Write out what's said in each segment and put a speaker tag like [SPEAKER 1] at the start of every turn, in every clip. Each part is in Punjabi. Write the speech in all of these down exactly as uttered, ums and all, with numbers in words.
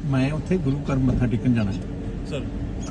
[SPEAKER 1] ਮੈਂ ਉੱਥੇ ਗੁਰੂ ਘਰ ਮੱਥਾ ਟੇਕਣ ਜਾਣਾ
[SPEAKER 2] ਸਰ।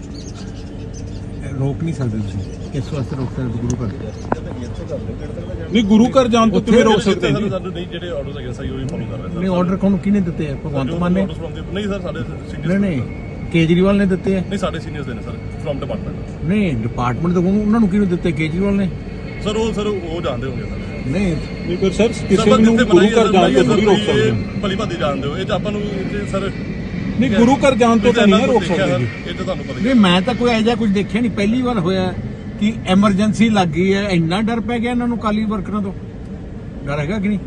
[SPEAKER 1] ਰੋਕ ਨਹੀਂ ਸਕਦੇ ਤੁਸੀਂ, ਕਿਸ ਵਾਸਤੇ ਰੋਕ ਸਕਦੇ ਗੁਰੂ ਘਰ?
[SPEAKER 3] ਨਹੀਂ ਗੁਰੂ ਘਰ ਜਾਣ ਤੋਂ ਕਿਵੇਂ ਰੋਕ ਸਕਦੇ ਜੀ?
[SPEAKER 2] ਸਾਨੂੰ ਨਹੀਂ ਜਿਹੜੇ ਆਰਡਰਸ ਹੈਗੇ ਸਹੀ ਉਹੀ ਫੋਲੋ ਕਰ ਰਹੇ ਸਰ।
[SPEAKER 1] ਨਹੀਂ ਆਰਡਰ ਕੌਣ ਕਿਹਨੇ ਦਿੱਤੇ ਆ? ਭਗਵੰਤ ਮਾਨ ਨੇ?
[SPEAKER 2] ਨਹੀਂ ਸਰ, ਸਾਡੇ ਸੀਨੀਅਰਸ
[SPEAKER 1] ਨਹੀਂ ਨਹੀਂ ਕੇਜਰੀਵਾਲ ਨੇ ਦਿੱਤੇ ਆ?
[SPEAKER 2] ਨਹੀਂ ਸਾਡੇ ਸੀਨੀਅਰਸ ਦੇ ਨੇ ਸਰ ਫਰਮ ਡਿਪਾਰਟਮੈਂਟ।
[SPEAKER 1] ਨਹੀਂ ਡਿਪਾਰਟਮੈਂਟ ਤੋਂ ਉਹਨਾਂ ਨੂੰ ਕਿਹਨੂੰ ਦਿੱਤੇ? ਕੇਜਰੀਵਾਲ ਨੇ?
[SPEAKER 2] ਸਰ ਉਹ ਸਰ ਉਹ ਜਾਣਦੇ ਹੋਣਗੇ ਸਰ।
[SPEAKER 1] ਨਹੀਂ
[SPEAKER 3] ਨਹੀਂ ਪਰ ਸਰ ਕਿਸੇ ਨੂੰ ਗੁਰੂ ਘਰ ਜਾਣ ਤੋਂ ਨਹੀਂ ਰੋਕ ਸਕਦੇ।
[SPEAKER 2] ਭਲੀ ਭਾਦੀ ਜਾਣਦੇ ਹੋ ਇਹ ਤਾਂ ਆਪਾਂ ਨੂੰ ਸਰ।
[SPEAKER 3] ਨਹੀਂ ਗੁਰੂ ਘਰ ਜਾਣ ਤੋਂ ਤਾਂ ਨਹੀਂ ਰੋਕ ਸਕਦੇ
[SPEAKER 2] ਇਹ ਤਾਂ ਤੁਹਾਨੂੰ ਪਤਾ ਹੀ
[SPEAKER 1] ਨਹੀਂ ਮੈਂ ਤਾਂ ਕੋਈ ਐਜਾ ਕੁਝ ਦੇਖਿਆ ਨਹੀਂ, ਪਹਿਲੀ ਵਾਰ ਹੋਇਆ ਕਿ ਐਮਰਜੈਂਸੀ ਲੱਗ ਗਈ ਹੈ। ਇੰਨਾ ਡਰ ਪੈ ਗਿਆ ਇਹਨਾਂ ਨੂੰ ਕਾਲੀ ਵਰਕਰਾਂ ਤੋਂ। ਡਰ ਹੈਗਾ ਕਿ ਨਹੀਂ?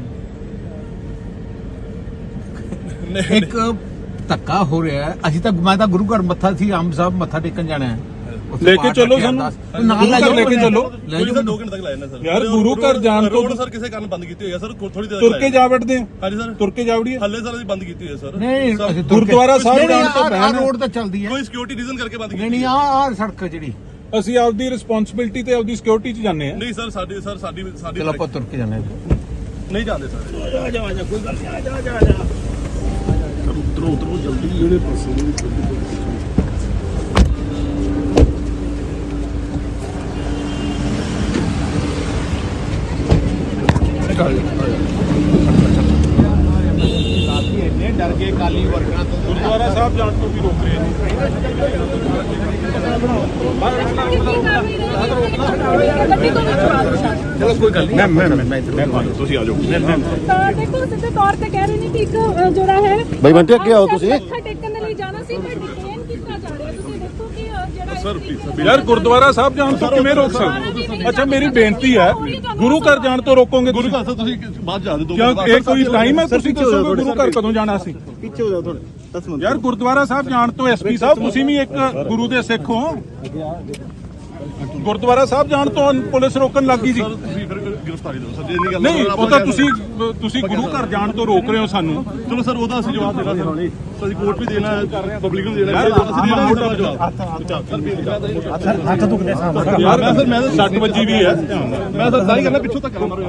[SPEAKER 1] ਇੱਕ ਧੱਕਾ ਹੋ ਰਿਹਾ ਹੈ। ਅਸੀਂ ਤਾਂ ਮੈਂ ਤਾਂ ਗੁਰੂ ਘਰ ਮੱਥਾ ਸੀ ਆਮ ਸਾਹਿਬ ਮੱਥਾ ਟੇਕਣ ਜਾਣਾ ਹੈ।
[SPEAKER 3] ਲੈ ਕੇ ਚੱਲੋ ਸਾਨੂੰ,
[SPEAKER 1] ਨਾਲ ਲੈ
[SPEAKER 3] ਲੈ ਕੇ ਚੱਲੋ।
[SPEAKER 2] ਸਰ ਦੋ ਘੰਟੇ ਤੱਕ ਲਾਇਆ ਨਾ ਸਰ।
[SPEAKER 3] ਯਾਰ ਗੁਰੂ ਘਰ ਜਾਣ ਤੋਂ
[SPEAKER 2] ਰੋਡ ਸਰ ਕਿਸੇ ਕਾਰਨ ਬੰਦ ਕੀਤੀ ਹੋਈ ਹੈ ਸਰ। ਥੋੜੀ ਦੇਰ
[SPEAKER 3] ਤੁਰ ਕੇ ਜਾ ਵੜਦੇ ਆ।
[SPEAKER 2] ਹਾਂਜੀ ਸਰ
[SPEAKER 3] ਤੁਰ ਕੇ ਜਾ ਵੜੀਏ।
[SPEAKER 2] ਹੱਲੇ ਸਰ ਅਸੀਂ ਬੰਦ ਕੀਤੀ ਹੋਈ ਹੈ ਸਰ।
[SPEAKER 1] ਨਹੀਂ ਅਸੀਂ
[SPEAKER 3] ਗੁਰਦੁਆਰਾ ਸਾਹਿਬ ਜਾਣ ਤੋਂ
[SPEAKER 1] ਪਹਿਲਾਂ ਰੋਡ ਤਾਂ ਚੱਲਦੀ ਹੈ।
[SPEAKER 2] ਕੋਈ ਸਿਕਿਉਰਿਟੀ ਰੀਜ਼ਨ ਕਰਕੇ ਬੰਦ ਕੀਤੀ
[SPEAKER 1] ਨਹੀਂ ਨਹੀਂ ਆਹ ਆਹ ਸੜਕ ਜਿਹੜੀ
[SPEAKER 3] ਅਸੀਂ ਆਪਦੀ ਰਿਸਪੌਂਸਿਬਿਲਟੀ ਤੇ ਆਪਦੀ ਸਿਕਿਉਰਿਟੀ 'ਚ ਜਾਂਦੇ ਆ।
[SPEAKER 2] ਨਹੀਂ ਸਰ ਸਾਡੀ ਸਰ ਸਾਡੀ ਸਾਡੀ
[SPEAKER 1] ਚਲੋ ਆਪਾਂ ਤੁਰ ਕੇ ਜਾਣਾ
[SPEAKER 2] ਨਹੀਂ ਜਾਂਦੇ ਸਰ।
[SPEAKER 1] ਆ ਜਾ ਆ ਜਾ ਕੋਈ ਗੱਲ ਨਹੀਂ, ਆ ਜਾ ਆ ਜਾ ਆ ਜਾ
[SPEAKER 2] ਉਤਰੋ ਉਤਰੋ ਜਲਦੀ ਜਿਹੜੇ ਪਾਸੇ
[SPEAKER 1] ਡਰ ਗਏ ਕਾਲੀ ਵਰਕਰਾਂ ਤੋਂ।
[SPEAKER 3] ਗੁਰਦੁਆਰਾ ਸਾਹਿਬ ਜਾਣ ਤੋਂ ਵੀ ਰੋਕ ਰਹੇ ਨੇ।
[SPEAKER 1] ਚਲੋ ਕੋਈ ਗੱਲ ਨਹੀਂ ਮੈਂ ਮੈਂ ਮੈਂ
[SPEAKER 3] ਤੁਸੀਂ ਆ ਜਾਓ।
[SPEAKER 4] ਤਾਂ ਦੇਖੋ ਸਿੱਧੇ ਤੌਰ ਤੇ ਕਹਿ ਰਹੇ ਨੇ ਕਿ ਇੱਕ ਜਿਹੜਾ ਹੈ
[SPEAKER 5] ਬਈ ਬੰਟੇ ਅੱਗੇ ਆਓ ਤੁਸੀਂ।
[SPEAKER 4] ਮੱਥਾ ਟੇਕਣ ਦੇ ਲਈ ਜਾਣਾ ਸੀ ਪਰ ਡਿਟੇਨ ਕੀਤਾ ਜਾ ਰਿਹਾ। ਤੁਸੀਂ ਦੇਖੋ ਕਿ ਜਿਹੜਾ
[SPEAKER 2] ਸਰ ਪਲੀਜ਼
[SPEAKER 3] ਯਾਰ ਗੁਰਦੁਆਰਾ ਸਾਹਿਬ ਜਾਣ ਤੋਂ ਕਿਵੇਂ ਰੋਕ ਸਕਦੇ? ਅੱਛਾ ਮੇਰੀ ਬੇਨਤੀ ਹੈ ਗੁਰੂ ਘਰ ਜਾਣ ਤੋਂ ਰੋਕੋਗੇ
[SPEAKER 2] ਗੁਰੂ
[SPEAKER 3] ਤੁਸੀਂ?
[SPEAKER 2] ਘਰ ਸਰ ਤੁਸੀਂ ਬਾਅਦ ਜਾ ਦੇ ਦੋ
[SPEAKER 3] ਕਿਉਂ ਇਹ ਕੋਈ ਟਾਈਮ ਹੈ? ਤੁਸੀਂ ਦੱਸੋਗੇ ਗੁਰੂ ਘਰ ਕਦੋਂ ਜਾਣਾ ਸੀ?
[SPEAKER 5] ਪਿੱਛੇ ਹੋ ਜਾਓ ਥੋੜੇ ਦਸ ਮਿੰਟ।
[SPEAKER 3] ਯਾਰ ਗੁਰਦੁਆਰਾ ਸਾਹਿਬ ਜਾਣ ਤੋਂ ਐਸਪੀ ਸਾਹਿਬ ਤੁਸੀਂ ਵੀ ਇੱਕ ਗੁਰੂ ਦੇ ਸਿੱਖ ਹੋ। ਗੁਰਦੁਆਰਾ ਸਾਹਿਬ ਜਾਣ ਤੋਂ ਪੁਲਿਸ ਰੋਕਣ ਲੱਗੀ ਸੀ।
[SPEAKER 2] ਸਰ ਤੁਸੀਂ ਫਿਰ ਗ੍ਰਿਫਤਾਰੀ ਦਿਓ ਸਰ। ਜੇ ਨਹੀਂ ਗੱਲ
[SPEAKER 3] ਨਹੀਂ ਉਹ ਤਾਂ ਤੁਸੀਂ ਤੁਸੀਂ ਗੁਰੂ ਘਰ ਜਾਣ ਤੋਂ ਰੋਕ ਰਹੇ ਹੋ ਸਾਨੂੰ।
[SPEAKER 2] ਚਲੋ ਸਰ ਉਹਦਾ ਅਸੀਂ ਜਵਾਬ ਦੇਣਾ ਸਰ। ਅਸੀਂ ਕੋਰਟ ਵੀ ਦੇਣਾ ਹੈ, ਪਬਲਿਕ ਨੂੰ ਦੇਣਾ ਹੈ। ਅਸੀਂ ਦੇਣਾ ਹੈ ਜਵਾਬ।
[SPEAKER 1] ਹੱਥ ਦੁਖਦੇ ਸਾਹਮਣੇ
[SPEAKER 3] ਯਾਰ ਮੈਂ ਸਰ ਮੈਂ ਸੱਟ ਵੱਜੀ ਵੀ ਹੈ।
[SPEAKER 2] ਮੈਂ ਸਰ ਸਾਰੀ ਕਰਨਾ ਪਿੱਛੋਂ ਤੱਕ ਮਾਰੋ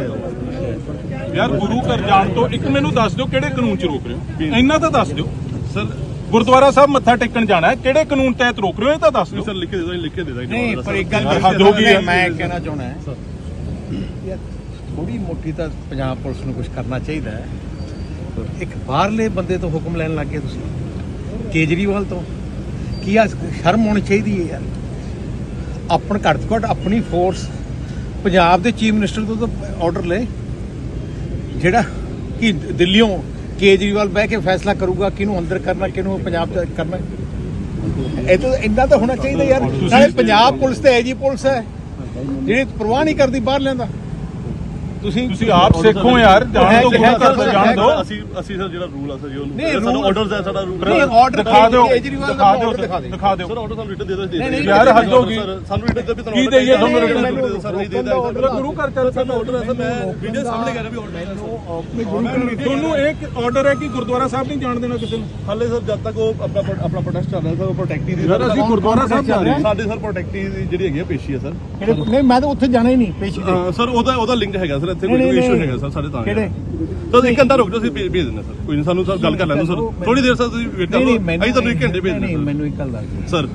[SPEAKER 2] ਯਾਰ।
[SPEAKER 3] ਯਾਰ ਗੁਰੂ ਘਰ ਜਾਣ ਤੋਂ ਇੱਕ ਮੈਨੂੰ ਦੱਸ ਦਿਓ ਕਿਹੜੇ ਕਾਨੂੰਨ 'ਚ ਰੋਕ ਰਹੇ ਹੋ? ਇੰਨਾ ਤਾਂ ਦੱਸ ਦਿਓ
[SPEAKER 2] ਸਰ।
[SPEAKER 3] ਗੁਰਦੁਆਰਾ ਸਾਹਿਬ ਮੱਥਾ ਟੇਕਣ ਜਾਣਾ ਹੈ, ਕਿਹੜੇ ਕਾਨੂੰਨ ਤਹਿਤ ਰੋਕ ਰਹੇ ਹੋ ਇਹ ਤਾਂ ਦੱਸ ਦਿਓ।
[SPEAKER 2] ਸਰ ਲਿਖ ਕੇ ਦੇ ਦੋ, ਲਿਖ ਕੇ ਦੇ ਦਾਂਗੇ।
[SPEAKER 1] ਨਹੀਂ ਪਰ ਇੱਕ ਗੱਲ
[SPEAKER 3] ਹੱਦ ਹੋ ਗਈ ਹੈ।
[SPEAKER 1] ਮੈਂ ਕਹਿਣਾ ਚਾਹੁੰਦਾ ਹਾਂ ਯਾਰ ਥੋੜੀ ਮੋਟੀ ਤਾਂ ਪੰਜਾਬ ਪੁਲਿਸ ਨੂੰ ਕੁਝ ਕਰਨਾ ਚਾਹੀਦਾ ਹੈ। ਇੱਕ ਬਾਹਰਲੇ ਬੰਦੇ ਤੋਂ ਹੁਕਮ ਲੈਣ ਲੱਗ ਗਏ ਤੁਸੀਂ, ਕੇਜਰੀਵਾਲ ਤੋਂ। ਕੀ ਆ ਸ਼ਰਮ ਹੋਣੀ ਚਾਹੀਦੀ ਹੈ ਯਾਰ। ਆਪਣ ਘੱਟ ਤੋਂ ਘੱਟ ਆਪਣੀ ਫੋਰਸ ਪੰਜਾਬ ਦੇ ਚੀਫ ਮਿਨਿਸਟਰ ਤੋਂ ਤਾਂ ਆਰਡਰ ਲੈ, ਜਿਹੜਾ ਕਿ ਦਿੱਲੀੋਂ ਕੇਜਰੀਵਾਲ ਬਹਿ ਕੇ ਫੈਸਲਾ ਕਰੂਗਾ ਕਿਹਨੂੰ ਅੰਦਰ ਕਰਨਾ ਕਿਹਨੂੰ ਪੰਜਾਬ ਚ ਕਰਨਾ। ਇਹ ਤਾਂ ਇੰਨਾ ਤਾਂ ਹੋਣਾ ਚਾਹੀਦਾ ਯਾਰ। ਨਾਲੇ ਪੰਜਾਬ ਪੁਲਿਸ ਤੇ ਐਜੀ ਪੁਲਿਸ ਹੈ ਜਿਹੜੀ ਪਰਵਾਹ ਨਹੀਂ ਕਰਦੀ ਬਾਹਰ ਲੈਂਦਾ। ਤੁਸੀਂ
[SPEAKER 3] ਤੁਸੀਂ ਆਪ ਸਿੱਖੋ ਯਾਰ। ਜਾਣ ਤੋਂ ਗੁਰੂ ਘਰ ਤੋਂ ਜਾਣ ਦਿਓ।
[SPEAKER 2] ਅਸੀਂ ਅਸੀਂ ਸਰ ਜਿਹੜਾ ਰੂਲ ਆ ਸਰ ਜੀ
[SPEAKER 1] ਨਹੀਂ,
[SPEAKER 2] ਉਹਨੂੰ ਸਾਡਾ ਆਰਡਰਸ ਹੈ ਸਾਡਾ ਰੂਲ।
[SPEAKER 1] ਨਹੀਂ ਆਰਡਰ
[SPEAKER 3] ਦਿਖਾ ਦਿਓ
[SPEAKER 1] ਕੇਜਰੀਵਾਲ
[SPEAKER 3] ਦਿਖਾ
[SPEAKER 1] ਦਾ
[SPEAKER 3] ਦਿਓ
[SPEAKER 1] ਆਰਡਰ ਦਿਖਾ ਦੇ
[SPEAKER 3] ਦਿਖਾ ਦਿਓ
[SPEAKER 2] ਸਰ ਆਰਡਰ ਸਾਨੂੰ ਰਿਟਨ ਦੇ ਦੋ।
[SPEAKER 1] ਨਹੀਂ, ਨਹੀਂ,
[SPEAKER 3] ਯਾਰ ਹੱਦ ਹੋ ਗਈ।
[SPEAKER 2] ਸਾਨੂੰ ਰਿਟਨ ਦੇ ਵੀ
[SPEAKER 3] ਕੀ ਦੇਈਏ ਤੁਹਾਨੂੰ ਰਿਟਨ?
[SPEAKER 2] ਸਰ ਨਹੀਂ ਦੇਦਾ
[SPEAKER 3] ਗੁਰੂ ਘਰ ਚੱਲ
[SPEAKER 2] ਸਰ ਆਰਡਰ ਹੈ ਸਰ। ਮੈਂ ਵੀਡੀਓ ਸਾਹਮਣੇ ਕਰ ਰਿਹਾ ਵੀ ਆਰਡਰ ਹੈ।
[SPEAKER 3] ਤੁਹਾਨੂੰ ਇੱਕ ਆਰਡਰ ਹੈ ਕਿ ਗੁਰਦੁਆਰਾ ਸਾਹਿਬ ਨਹੀਂ ਜਾਣ ਦੇਣਾ ਕਿਸੇ ਨੂੰ।
[SPEAKER 2] ਹਾਲੇ ਸਰ ਜਦ ਤੱਕ ਉਹ ਆਪਣਾ ਆਪਣਾ ਪ੍ਰੋਟੈਸਟ ਚੱਲ ਰਿਹਾ ਸਰ, ਉਹ ਪ੍ਰੋਟੈਕਟੀ ਦੀ
[SPEAKER 3] ਯਾਰ ਅਸੀਂ ਗੁਰਦੁਆਰਾ ਸਾਹਿਬ ਜਾ ਰਹੇ ਹਾਂ।
[SPEAKER 2] ਸਾਡੇ ਸਰ ਪ੍ਰੋਟੈਕਟੀ ਦੀ ਜਿਹੜੀ ਹੈਗੀ ਆ ਪੇਸ਼ੀ ਹੈ ਸਰ।
[SPEAKER 1] ਨਹੀਂ ਮੈਂ ਤਾਂ ਉੱਥੇ ਜਾਣਾ ਹੀ ਨਹੀਂ ਪੇਸ਼ੀ ਤੇ।
[SPEAKER 2] ਸਰ ਉਹਦਾ ਉਹਦਾ ਲਿੰਕ ਹੈਗਾ ਸਰ। ਇੱਥੇ ਕੋਈ ਇਸ਼ੂ ਹੈਗਾ ਸਰ ਸਾਡੇ ਤਾਂ।
[SPEAKER 1] ਕਿਹੜੇ?
[SPEAKER 2] ਸਰ ਇੱਕ ਘੰਟਾ ਰੁਕ ਜਾਓ, ਅਸੀਂ ਭੇਜ ਦਿੰਦੇ ਸਰ। ਕੋਈ ਨਹੀਂ, ਸਾਨੂੰ ਸਰ ਗੱਲ ਕਰ ਲੈਣ ਦਿਓ ਸਰ। ਥੋੜੀ ਦੇਰ ਸਰ ਤੁਸੀਂ ਵੇਟ ਕਰ ਲਓ। ਅਸੀਂ ਤੁਹਾਨੂੰ ਇੱਕ ਘੰਟੇ ਭੇਜ
[SPEAKER 1] ਨਹੀਂ
[SPEAKER 2] ਦਿੰਦੇ
[SPEAKER 1] ਮੈਨੂੰ ਇੱਕ ਗੱਲ ਦੱਸ
[SPEAKER 2] ਸਰ।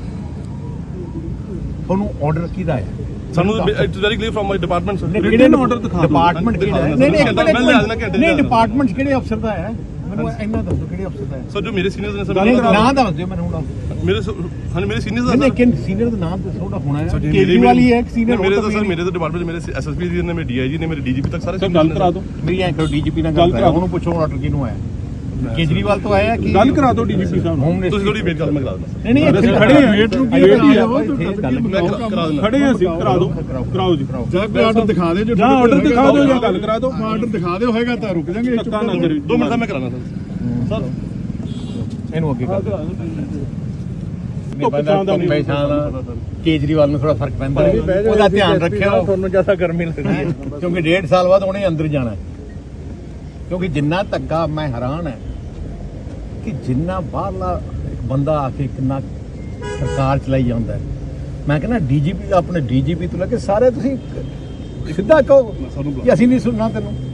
[SPEAKER 1] ਤੁਹਾਨੂੰ ਆਰਡਰ ਕਿਹਦਾ ਹੈ?
[SPEAKER 2] ਸਾਨੂੰ it's very clear from my department sir.
[SPEAKER 1] ਕਿਹੜੇ ਆਰਡਰ ਦਿਖਾ ਦਿਓ। ਡਿਪਾਰਟਮੈਂਟ ਕਿਹੜਾ ਹੈ? ਨਹੀਂ ਨਹੀਂ ਨਹੀਂ ਡਿਪਾਰਟਮੈਂਟ ਕਿਹੜੇ ਅਫਸਰ ਦਾ ਹੈ? ਮੈਨੂੰ ਇੰਨਾ ਦੱਸੋ ਕਿਹੜੇ ਅਫਸਰ ਦਾ ਹੈ?
[SPEAKER 2] ਸਰ ਜੋ ਮੇਰੇ ਸੀਨੀਅਰਸ ਨੇ ਸਰ।
[SPEAKER 1] ਨਾਮ ਦੱਸ ਦਿਓ ਮੈਨੂੰ ਹੁਣ।
[SPEAKER 2] ਮੇਰੇ ਹਾਂ ਮੇਰੇ ਸੀਨੀਅਰਸ
[SPEAKER 1] ਨਹੀਂ
[SPEAKER 2] ਦਾ
[SPEAKER 1] ਨਹੀਂ ਸੀਨੀਅਰ ਦਾ ਨਾਮ ਦੱਸੋ ਉਹਦਾ ਹੋਣਾ ਹੈ। ਕੇਜਰੀਵਾਲ ਹੀ ਹੈ ਇੱਕ ਸੀਨੀਅਰ।
[SPEAKER 2] ਮੇਰੇ ਤਾਂ ਸਰ ਮੇਰੇ ਤਾਂ ਡਿਪਾਰਟਮੈਂਟ ਮੇਰੇ ਐਸਐਸਪੀ ਜੀ ਨੇ, ਮੇਰੇ ਡੀਆਈਜੀ ਨੇ, ਮੇਰੇ ਡੀਜੀਪੀ ਤੱਕ ਸਾਰੇ
[SPEAKER 3] ਗੱਲ ਕਰਾ ਦਿਓ।
[SPEAKER 1] ਮੇਰੀ ਐਂ ਕਰੋ ਡੀਜੀਪੀ ਨਾਲ ਗੱਲ ਕਰਾ ਉਹਨੂੰ ਪੁੱਛੋ ਆਰਡਰ ਕਿਹਨੂੰ ਆਇਆ। ਕੇਜਰੀਵਾਲ ਤੋਂ ਆਇਆ ਕਿ
[SPEAKER 3] ਗੱਲ ਕਰਾ ਦਿਓ ਡੀਜੀਪੀ ਸਾਹਿਬ ਨੂੰ।
[SPEAKER 1] ਹੋਮ ਮਿਨਿਸਟਰ
[SPEAKER 2] ਤੁਸੀਂ ਥੋੜੀ ਵੇਟ ਕਰ, ਮੈਂ ਕਰਾ ਦਿੰਦਾ
[SPEAKER 1] ਨਹੀਂ ਨਹੀਂ
[SPEAKER 3] ਅਸੀਂ ਖੜੇ ਹਾਂ। ਵੇਟ ਨੂੰ ਕੀ
[SPEAKER 1] ਵੇਟ ਹੀ
[SPEAKER 3] ਹੈ?
[SPEAKER 2] ਮੈਂ ਕਰਾ ਦਿੰਦਾ।
[SPEAKER 3] ਖੜੇ ਹਾਂ ਅਸੀਂ। ਕਰਾ ਦਿਓ ਕਰਾਓ ਜੀ।
[SPEAKER 5] ਜਾਂ ਕੋਈ ਆਰਡਰ ਦਿਖਾ ਦਿਓ।
[SPEAKER 3] ਜਾਂ ਆਰਡਰ ਦਿਖਾ ਦਿਓ ਜਾਂ ਗੱਲ ਕਰਾ ਦਿਓ।
[SPEAKER 5] ਆਰਡਰ ਦਿਖਾ ਦਿਓ ਹੋਏਗਾ ਤਾਂ ਰੁਕ ਜਾਾਂਗੇ।
[SPEAKER 3] ਧੱਕਾ ਨਾ ਕਰਿਓ।
[SPEAKER 2] ਦੋ ਮਿੰਟ ਦਾ ਮੈਂ ਕਰਾਣਾ ਸਰ। ਸਰ
[SPEAKER 1] ਇਹਨੂੰ ਅੱਗੇ ਕਰ ਕੇਜਰੀਵਾਲ ਨੂੰ ਥੋੜਾ ਫਰਕ ਪੈਂਦਾ ਹੈ। ਉਹਦਾ ਧਿਆਨ ਰੱਖਿਓ। ਤੁਹਾਨੂੰ ਜ਼ਿਆਦਾ ਗਰਮੀ ਲੱਗਦੀ ਹੈ ਕਿਉਂਕਿ ਡੇਢ ਸਾਲ ਬਾਅਦ ਉਹਨੇ ਅੰਦਰ ਜਾਣਾ ਹੈ। ਕਿਉਂਕਿ ਜਿੰਨਾ ਧੱਕਾ ਮੈਂ ਹੈਰਾਨ ਹੈ ਕਿ ਜਿੰਨਾ ਬਾਹਰਲਾ ਇੱਕ ਬੰਦਾ ਆ ਕੇ ਕਿੰਨਾ ਸਰਕਾਰ ਚਲਾਈ ਜਾਂਦਾ ਹੈ। ਮੈਂ ਕਹਿੰਦਾ ਡੀਜੀਪੀ ਆਪਣੇ ਡੀਜੀਪੀ ਤੋਂ ਲੈ ਕੇ ਸਾਰੇ ਤੁਸੀਂ ਸਿੱਧਾ ਕਹੋ ਕਿ ਅਸੀਂ ਨਹੀਂ ਸੁਣਨਾ ਤੈਨੂੰ।